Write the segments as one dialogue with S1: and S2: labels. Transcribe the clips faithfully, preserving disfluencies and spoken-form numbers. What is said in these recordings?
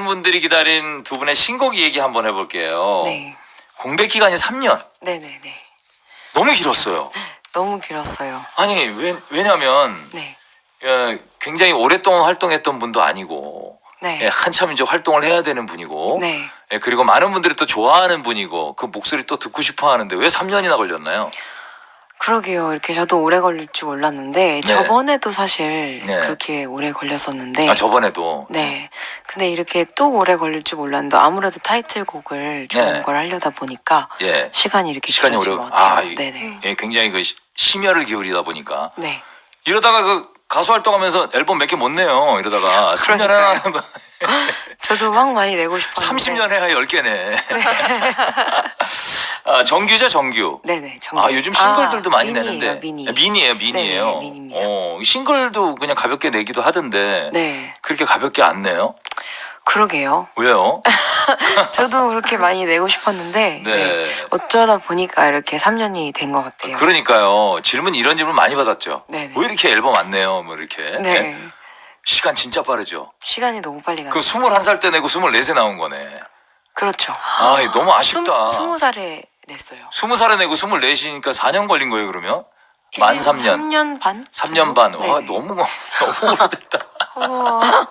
S1: 분들이 기다린 두 분의 신곡 얘기 한번 해볼게요.
S2: 네.
S1: 공백 기간이 삼 년.
S2: 네네네.
S1: 너무 길었어요.
S2: 너무 길었어요.
S1: 아니 왜, 왜냐면
S2: 네.
S1: 예, 굉장히 오랫동안 활동했던 분도 아니고
S2: 네.
S1: 예, 한참 이제 활동을 해야 되는 분이고
S2: 네.
S1: 예, 그리고 많은 분들이 또 좋아하는 분이고 그 목소리 또 듣고 싶어 하는데 왜 삼 년이나 걸렸나요?
S2: 그러게요. 이렇게 저도 오래 걸릴 줄 몰랐는데
S1: 네.
S2: 저번에도 사실
S1: 네.
S2: 그렇게 오래 걸렸었는데
S1: 아 저번에도
S2: 네. 근데 이렇게 또 오래 걸릴 줄 몰랐는데 아무래도 타이틀곡을 좋은
S1: 네.
S2: 걸 하려다 보니까
S1: 예
S2: 시간이 이렇게
S1: 시간이
S2: 길어진
S1: 오래
S2: 것 같아요.
S1: 아, 이-
S2: 네네.
S1: 예, 굉장히 그 시- 심혈을 기울이다 보니까
S2: 네.
S1: 이러다가 그 가수 활동하면서 앨범 몇 개 못 내요. 이러다가 삼 년
S2: 그러니까요.
S1: 해야
S2: 저도 막 많이 내고 싶었는데.
S1: 삼십 년 해야 열 개네. 아, 정규죠, 정규.
S2: 네네. 정규.
S1: 아, 요즘 싱글들도
S2: 아,
S1: 많이
S2: 미니예요,
S1: 내는데.
S2: 미니.
S1: 아, 미니예요, 미니예요.
S2: 네네, 미니입니다.
S1: 어, 싱글도 그냥 가볍게 내기도 하던데.
S2: 네.
S1: 그렇게 가볍게 안 내요?
S2: 그러게요.
S1: 왜요?
S2: 저도 그렇게 많이 내고 싶었는데
S1: 네.
S2: 네. 어쩌다 보니까 이렇게 삼 년이 된 것 같아요.
S1: 그러니까요. 질문 이런 질문 많이 받았죠.
S2: 네네.
S1: 왜 이렇게 앨범 안 내요? 뭐 이렇게.
S2: 네.
S1: 시간 진짜 빠르죠.
S2: 시간이 너무 빨리 가요.
S1: 그 스물한 살 때 내고 스물네 세 나온 거네.
S2: 그렇죠.
S1: 아, 이거 너무 아쉽다.
S2: 스무 살에 냈어요.
S1: 스무 살에 내고 스물넷이니까 사 년 걸린 거예요, 그러면? 만 삼 년.
S2: 삼 년 반?
S1: 삼 년 반. 와,
S2: 네네.
S1: 너무, 너무 오래됐다.
S2: 우와.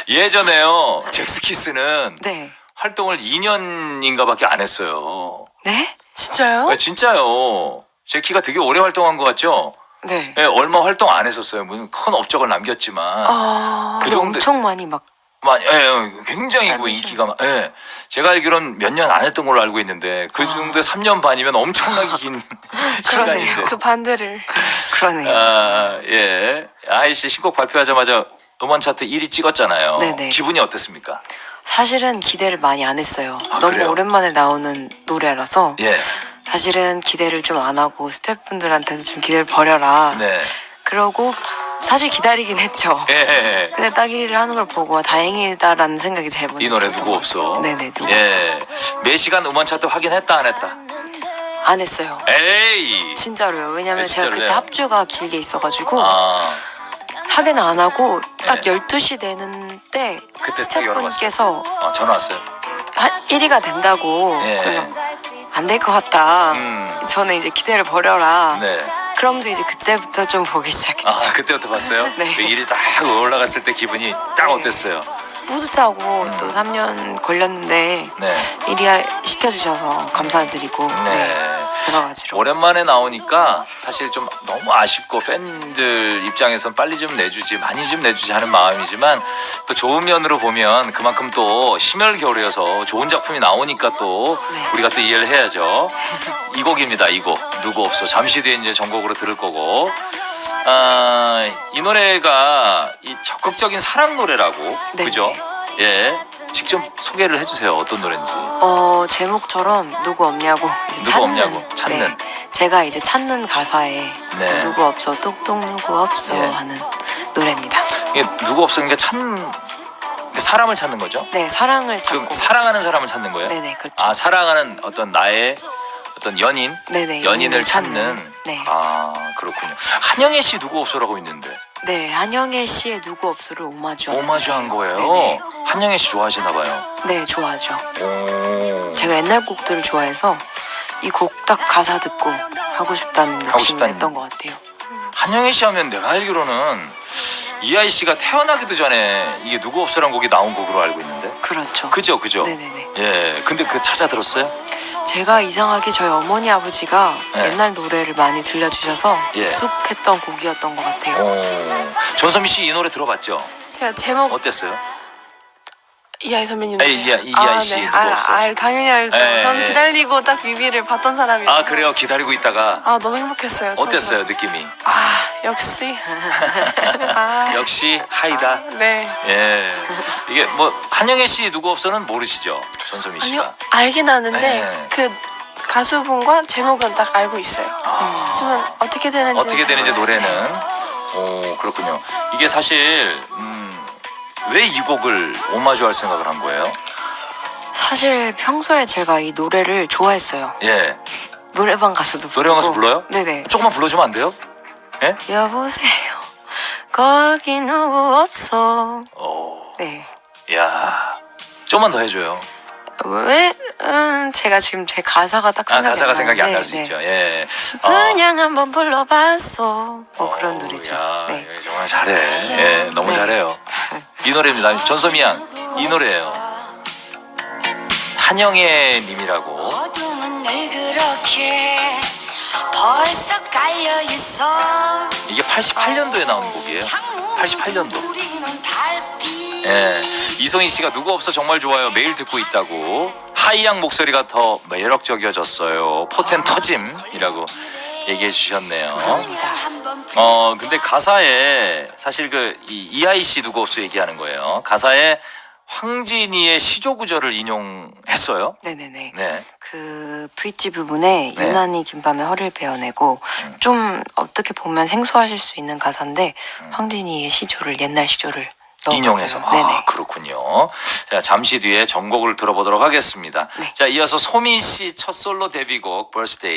S1: 예전에요, 잭스키스는
S2: 네.
S1: 활동을 이 년인가 밖에 안 했어요.
S2: 네? 진짜요?
S1: 네, 진짜요. 제키가 되게 오래 활동한 것 같죠?
S2: 네.
S1: 네, 얼마 활동 안 했었어요. 무슨 큰 업적을 남겼지만.
S2: 아,
S1: 그
S2: 그
S1: 정도-
S2: 엄청 많이 막
S1: 마- 예, 예, 굉장히 그
S2: 짧으신-
S1: 인기가 많- 예. 제가 알기로는 몇 년 안 했던 걸로 알고 있는데 그
S2: 아.
S1: 정도에 삼 년 반이면 엄청나게 긴 시간인데.
S3: 그 반대를.
S2: 그러네요.
S1: 아, 예. 아이씨 신곡 발표하자마자 음원 차트 일 위 찍었잖아요.
S2: 네네.
S1: 기분이 어땠습니까?
S2: 사실은 기대를 많이 안 했어요.
S1: 아,
S2: 너무
S1: 그래요?
S2: 오랜만에 나오는 노래라서
S1: 예.
S2: 사실은 기대를 좀 안 하고 스태프분들한테도 좀 기대를 버려라.
S1: 네.
S2: 그러고 사실 기다리긴 했죠.
S1: 예, 예. 예.
S2: 근데 딱 일 위를 하는 걸 보고 다행이다라는 생각이 제일 먼저
S1: 이 노래
S2: 들었던
S1: 누구
S2: 것
S1: 없어?
S2: 같아요. 네네 누구 없어.
S1: 예. 매 시간 음원 차트 확인했다 안 했다?
S2: 안 했어요.
S1: 에이.
S2: 진짜로요. 왜냐면
S1: 네,
S2: 제가
S1: 진짜로요?
S2: 그때 합주가 길게 있어가지고
S1: 아.
S2: 하긴 안 하고 딱
S1: 네.
S2: 열두 시 되는 때
S1: 그때 딱 열어봤어요.
S2: 스태프분께서
S1: 어, 전화 왔어요.
S2: 일 위가 된다고
S1: 예.
S2: 그래서 안 될 것 같다.
S1: 음.
S2: 저는 이제 기대를 버려라.
S1: 네.
S2: 그러면서 이제 그때부터 좀 보기 시작했죠.
S1: 아, 그때부터 봤어요?
S2: 네.
S1: 그 일이 딱 올라갔을 때 기분이 딱
S2: 네.
S1: 어땠어요?
S2: 뿌듯하고 또 삼 년 걸렸는데
S1: 네.
S2: 일 위 시켜주셔서 감사드리고 네.
S1: 네.
S2: 여러 가지로
S1: 오랜만에 나오니까 사실 좀 너무 아쉽고 팬들 입장에선 빨리 좀 내주지 많이 좀 내주지 하는 마음이지만 또 좋은 면으로 보면 그만큼 또 심혈 겨울이어서 좋은 작품이 나오니까 또
S2: 네.
S1: 우리가 또 이해를 해야죠. 이 곡입니다. 이 곡 누구 없어. 잠시 뒤에 이제 전곡으로 들을 거고 아, 이 노래가 이 적극적인 사랑 노래라고
S2: 네.
S1: 그죠? 예. 직접 소개를 해주세요. 어떤 노래인지.
S2: 어 제목처럼 누구 없냐고 이제
S1: 누구
S2: 찾는,
S1: 없냐고, 찾는.
S2: 네. 제가 이제 찾는 가사에
S1: 네.
S2: 누구 없어 똑똑 누구 없어
S1: 예.
S2: 하는 노래입니다.
S1: 이게 누구 없으니까 찾는 사람을 찾는 거죠?
S2: 네 사랑을
S1: 그럼
S2: 찾고
S1: 사랑하는 사람을 찾는 거예요?
S2: 네네 그렇죠.
S1: 아 사랑하는 어떤 나의 어떤 연인,
S2: 네네
S1: 연인을 찾는.
S2: 네.
S1: 아 그렇군요. 한영애 씨 누구 없어라고 있는데
S2: 네 한영애 씨의 누구 없어를 오마주
S1: 오마주한 거예요.
S2: 네네.
S1: 한영애 씨 좋아하시나 봐요.
S2: 네 좋아하죠.
S1: 오.
S2: 제가 옛날 곡들을 좋아해서 이 곡 딱 가사 듣고 하고 싶다는
S1: 하고
S2: 욕심이
S1: 싶다는-
S2: 했던 것 같아요.
S1: 한영애 씨 하면 내가 알기로는 이하이 씨가 태어나기도 전에 이게 누구 없어란 곡이 나온 곡으로 알고 있는데.
S2: 그렇죠.
S1: 그죠, 그죠.
S2: 네네네.
S1: 예. 근데 그 찾아 들었어요?
S2: 제가 이상하게 저희 어머니 아버지가
S1: 네.
S2: 옛날 노래를 많이 들려주셔서
S1: 예.
S2: 익숙했던 곡이었던 것 같아요.
S1: 오. 전소미 씨 이 노래 들어봤죠?
S3: 제가 제목
S1: 어땠어요?
S3: 이하이 선배님.
S1: 아, 이하- 이하이 씨 누구
S3: 아,
S1: 없어?
S3: 알, 당연히 알죠.
S1: 예,
S3: 저는
S1: 예.
S3: 기다리고 딱 뮤비를 봤던 사람이에요.
S1: 아 그래요? 기다리고 있다가
S3: 아 너무 행복했어요. 처음
S1: 어땠어요
S3: 들었을 때.
S1: 느낌이?
S3: 아 역시. 아,
S1: 역시 하이다.
S3: 네.
S1: 예. 이게 뭐 한영애 씨 누구 없어는 모르시죠? 전소미 씨가.
S3: 아니요 알긴 아는데
S1: 네.
S3: 그 가수분과 제목은 딱 알고 있어요.
S1: 아,
S3: 하지만 어떻게 되는지
S1: 어떻게 되는지 노래는. 오 그렇군요. 이게 사실 음, 왜 이 곡을 오마주할 생각을 한 거예요?
S2: 사실 평소에 제가 이 노래를 좋아했어요.
S1: 예.
S2: 노래방 가서도
S1: 노래방 가서
S2: 부르고.
S1: 불러요?
S2: 네네.
S1: 조금만 불러주면 안 돼요? 예?
S2: 여보세요. 거기 누구 없어.
S1: 오.
S2: 네.
S1: 야. 좀만 더 해줘요.
S2: 왜? 음, 제가 지금 제 가사가 딱
S1: 아
S2: 생각이
S1: 가사가
S2: 안
S1: 생각이 안
S2: 나는데,
S1: 날 수
S2: 네.
S1: 있죠. 예. 어.
S2: 그냥 한번 불러봤어. 뭐 그런
S1: 어우,
S2: 노래죠.
S1: 야,
S2: 네.
S1: 정말 잘해. 예, 너무
S2: 네.
S1: 잘해요. 이 노래입니다. 전소미 양, 이 노래예요. 한영애 님이라고.
S4: 어둠은 늘 그렇게 벌써 깔려 있어.
S1: 이게 팔십팔 년도에 나온 곡이에요. 팔십팔 년도. 예, 이송희 씨가 누구 없어 정말 좋아요. 매일 듣고 있다고. 하이양 목소리가 더 매력적이어졌어요. 포텐 터짐이라고 얘기해 주셨네요. 어, 근데 가사에 사실 그 이, 이하이 씨 누구 없어 얘기하는 거예요. 가사에 황진이의 시조 구절을 인용했어요.
S2: 네네네.
S1: 네.
S2: 그 브릿지 부분에
S1: 네.
S2: 유난히 긴 밤에 허리를 베어내고
S1: 음.
S2: 좀 어떻게 보면 생소하실 수 있는 가사인데
S1: 음.
S2: 황진이의 시조를 옛날 시조를 넣었어요.
S1: 인용해서.
S2: 네네.
S1: 아, 그렇군요. 자, 잠시 뒤에 전곡을 들어보도록 하겠습니다.
S2: 네.
S1: 자, 이어서 소민 씨 첫 솔로 데뷔곡 벌스데이.